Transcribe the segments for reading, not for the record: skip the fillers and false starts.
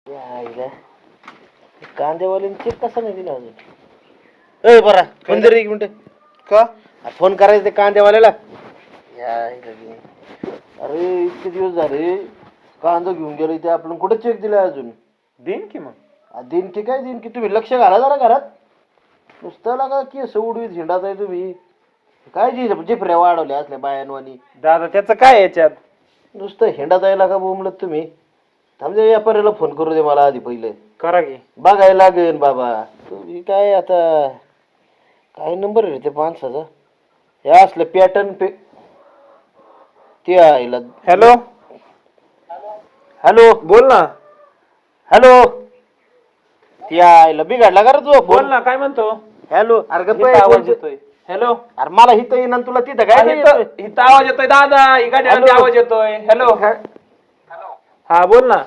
कांदेवाले check कसा नाही दिला अजून? ए बरा फोन एक मिनिट का फोन करायचं ते कांदेवाल्याला. अरे इतके दिवस झाले कांदा घेऊन गेलो ते आपण कुठे चेक दिलाय अजून? देईन की मग. देईन की काय देईन की, तुम्ही लक्ष घाला जरा घरात. नुसतं लागा की सवडीत झेंडाच आहे तुम्ही. काय जिफऱ्या वाढवल्या असल्या बायांवानी. दादा त्याचं काय याच्यात? नुसतं हिंडा जायला का बोंबलत तुम्ही? थांबजे व्यापाऱ्याला फोन करू दे मला आधी पहिले. करा की. बघायला लागेल बाबा. तुम्ही काय आता काय नंबर आहे ते माणसाचा? हे असलं पॅटर्न ते आईला. हॅलो हॅलो बोल ना. हॅलो ते आईला बिघडला का रे तुझा बोल फोन? ना, काय म्हणतो? हॅलो अरे गप्प इथं आहे, आवाज कोणतं- येतोय. हॅलो अरे मला हिथं येईन आणि तुला तिथं काय नाही इथं येतोय? इथं आवाज येतोय दादा, ही गाडीला हॅलो. आवाज येतोय. हॅलो हा बोल ना.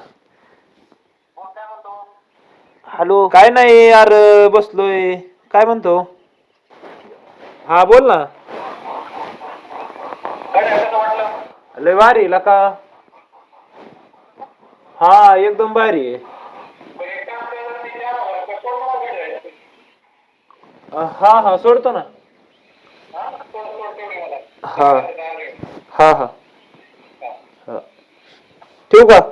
हॅलो काय नाही यार, बसलोय. काय म्हणतो? हा बोल ना. लय भारी लका. हा एकदम भारी आहे. हा हा सोडतो ना. हा हा हा हा. ठेवू का?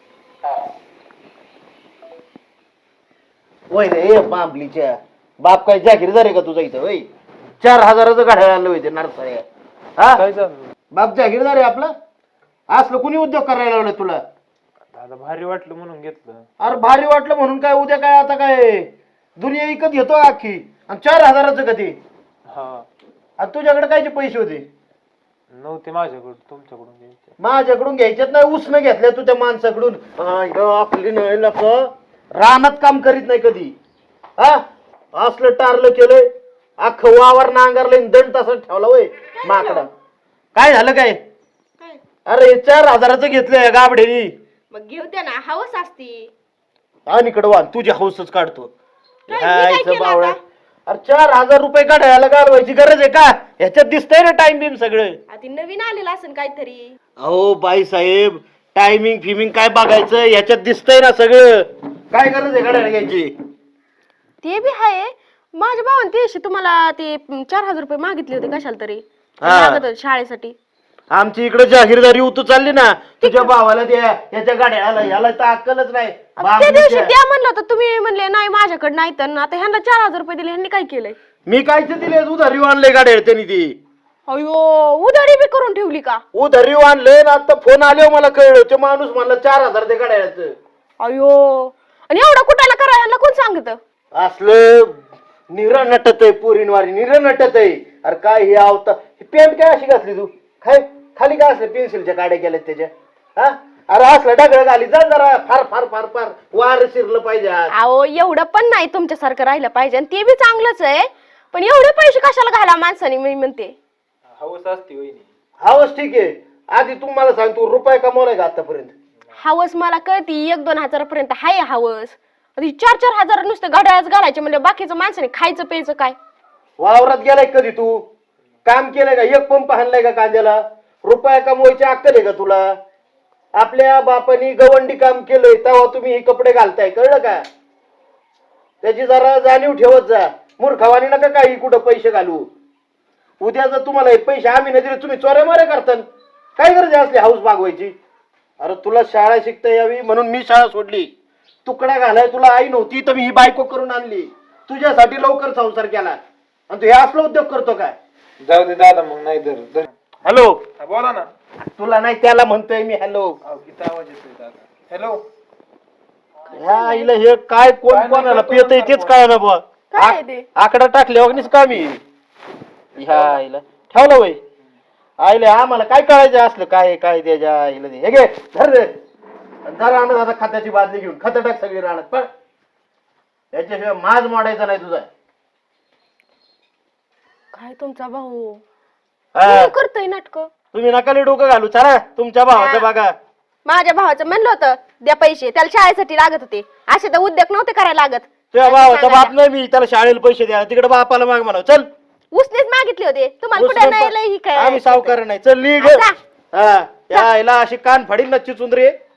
वय रे बांबलीच्या बाप काय जागीरदार आहे का तुझा इथं? वय 4,000चं गाड्या आणलं होते नरसाळ्या. हा काय झालं? बाप जागीरदार आहे आपला. असलं कुणी उद्योग करायला लावलं तुला? दादा भारी वाटलं म्हणून घेतलं. अरे भारी वाटलं म्हणून काय उद्या काय आता काय दुनिया विकत घेतो अख्खी आणि 4,000चं कधी? हा आणि तुझ्याकडे कायचे पैसे होते? नव्हते माझ्याकडून, तुमच्याकडून घ्यायचे. माझ्याकडून घ्यायच्यात नाही, उसनं घेतल्या तू त्या माणसाकडून. आपली नाही लोक रानात काम करीत नाही कधी. हा असलं टारलं केलंय अख्खं वावर नांगरलंय, दंड तसंच ठेवला वय माकडा. काय झालं काय? अरे 4,000चं घेतलंय गाबडेनी. मग घेऊ द्या ना, हवस असती. आणि इकडं वा तुझी हौसच काढतो. काय, मी काय हायचं केलं बावळा. आता? अरे 4,000 रुपये काढायला घालवायची गरज आहे का? ह्याच्यात दिसतंय ना टाइम बिम सगळं. आधी नवीन आलेलं असेल काहीतरी. अहो बाई साहेब, टायमिंग फिमिंग काय बघायचं? ह्याच्यात दिसतंय ना सगळं. काय गरज आहे गाड्या घ्यायची? ते बी आहे. माझ्या भावाने ते दिवशी तुम्हाला ते 4,000 रुपये मागितले होते कशाला तरी. हा. लागत होते शाळेसाठी. आमची इकडे जाहीरदारी उतू चालली ना, तुझ्या भावाला द्या याच्या गाड्या आला याला तर अक्कलच नाही. त्या दिवशी द्या म्हणलं होतं तुम्ही, म्हणले नाही माझ्याकडे नाही. तर आता ह्यांना 4,000 रुपये दिले, ह्यांनी काय केलंय? मी कायच दिले उधारी आणले गाड्या त्यांनी ती. अयो उधारी बी करून ठेवली का? उधारी आणले ना, आता फोन आले मला कळलं ते माणूस म्हणला 4,000 ते गाड्याचं. अयो आणि एवढं कुठाला करा ह्यांना कोण सांगत? असलं निरा नटत आहे पोरीनवारी, निरा नटत आहे. अरे काय हे आवता ही पॅन्ट काय अशी घातली तू? काय खाली काय असलं पेन्सिलच्या काड्या केल्यात त्याच्या? हा अरे असलं डगळं घाली जा जरा. फार फार फार फार वार शिरलं पाहिजे आज. अहो एवढं पण नाही तुमच्यासारखं राहिलं पाहिजे, आणि ते बी चांगलंच आहे. पण एवढे पैसे कशाला घाला माणसाने? मी म्हणते हवस असते वहिनी. हावच ठीक आहे. आधी तू मला सांग, तू रुपये कमवलाय का आतापर्यंत? हवस मला कळती 1-2 हजारापर्यंत हाय हवस. 4-4 हजार नुसतं घड्याळच घालायचे म्हणजे बाकीचं माणसाने खायचं प्यायचं काय? वावरात गेलाय कधी तू? काम केलंय का? एक पंप हाणलाय का कांद्याला? रुपया कमवायची अक्कल आहे का तुला? आपल्या बापानी गवंडी काम केलंय तेव्हा तुम्ही हे कपडे घालताय, कळलं का? त्याची जरा जाणीव ठेवत जा. मूर्खवानी नका काही कुठं पैसे घालू. उद्या जर तुम्हाला हे पैसे आम्ही नाही दिले, तुम्ही चोऱ्या मारे करताल. काय गरज आहे असली हाऊस भागवायची? अरे तुला शाळा शिकता यावी म्हणून मी शाळा सोडली. तुकडा घालाय तुला आई नव्हती तर मी ही बायको करून आणली. तुझ्यासाठी लवकर संसार केला आणि तू हे असला उद्योग करतो काय? जाऊ दे दादा मग, नाही धर. हॅलो बोला ना. तुला नाही त्याला म्हणतोय मी. हॅलो किती आवाज येतोय दादा? हॅलो ह्या आईला हे काय कोण कोणाला पियत तेच काय ना बुवा. काय आहे ते? आकडा टाकले अग्निच कामी. ह्या आईला ठेवलं वय आईला आम्हाला काय कळायचं असलं काय काय त्याच्या आईला दे. हे घे धर रे. धर आणत आता खताची बादली घेऊन खत टाक सगळी राहणार. पण याच्याशिवाय माज मोडायचा नाही तुझा. काय तुमचा भाऊ हा. करतोय नाटक? तुम्ही नकाली डोकं घालू. चला तुमच्या भावाचं बघा. माझ्या भावाचं म्हणलं होतं द्या पैसे, त्याला शाळेसाठी लागत होते. असे तर उद्योग नव्हते करायला लागत. तुझ्या भावाचा बाप नाही मी, त्याला शाळेला पैसे द्या. तिकडे बापाला माग म्हणा. चल उसनेच मागितले होते तुम्हाला, कुठे नाही लय ही काय? आम्ही सावकार नाही. चल निघ. आता? हा या आईला अशी कान फाडील नच्ची चुंदरी.